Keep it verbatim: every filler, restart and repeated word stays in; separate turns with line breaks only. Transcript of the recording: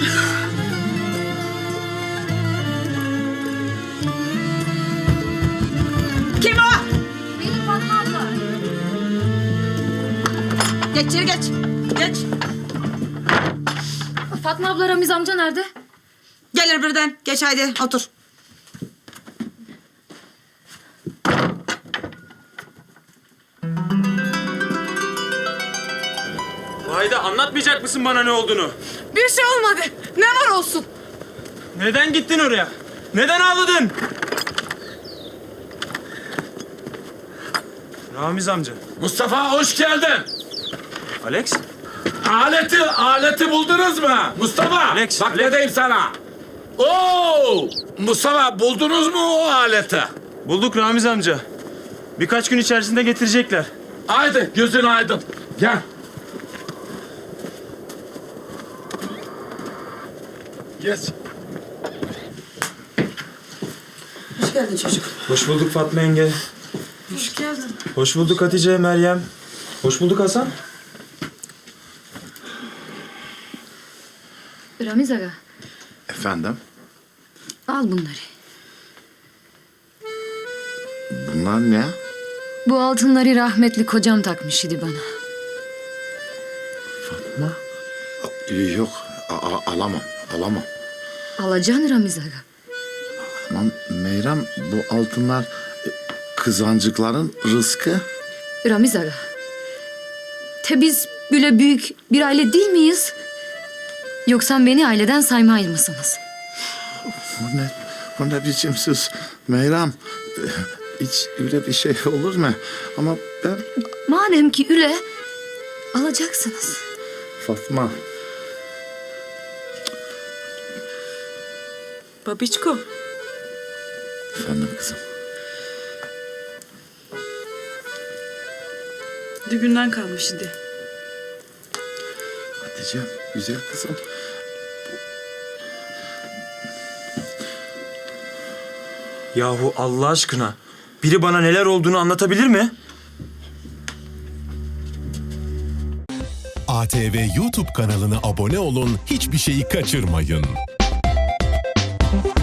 Kim o?
Benim Fatma abla.
Geç içeri geç. Geç.
Fatma abla, Ramiz amca nerede?
Gelir birden. Geç haydi otur.
Vahide, anlatmayacak mısın bana ne olduğunu?
Bir şey olmadı. Ne var olsun?
Neden gittin oraya? Neden ağladın? Ramiz amca.
Mustafa hoş geldin.
Alex?
Aleti, aleti buldunuz mu? Mustafa,
Alex,
bak
Alex.
ne diyeyim sana. Oo, Mustafa buldunuz mu o aleti?
Bulduk Ramiz amca. Birkaç gün içerisinde getirecekler.
Haydi gözün aydın. Gel. Geç.
Hoş geldin çocuk.
Hoş bulduk Fatma yenge.
Hoş geldin.
Hoş bulduk Hatice, Meryem. Hoş bulduk Hasan.
Ramiz aga,
Efendim?
al bunları.
Bunlar ne?
Bu altınları rahmetli kocam takmış idi bana.
Fatma? Yok, a- a- alamam, alamam.
Alacaksın Ramiz aga.
Aman Meyrem, bu altınlar e, kızancıkların rızkı.
Ramiz aga. Te biz böyle büyük bir aile değil miyiz? Yoksa beni aileden saymay mısınız?
Bu ne, bu ne biçim söz Meyrem? e, Hiç öyle bir şey olur mu? Ama ben
Madem ki üle, alacaksınız.
Fatma,
Babiçko.
efendim kızım.
Düğünden kalmış idi.
Hatice, güzel kızım.
Yahu Allah aşkına. Biri bana neler olduğunu anlatabilir mi?
A T V YouTube kanalına abone olun, hiçbir şeyi kaçırmayın.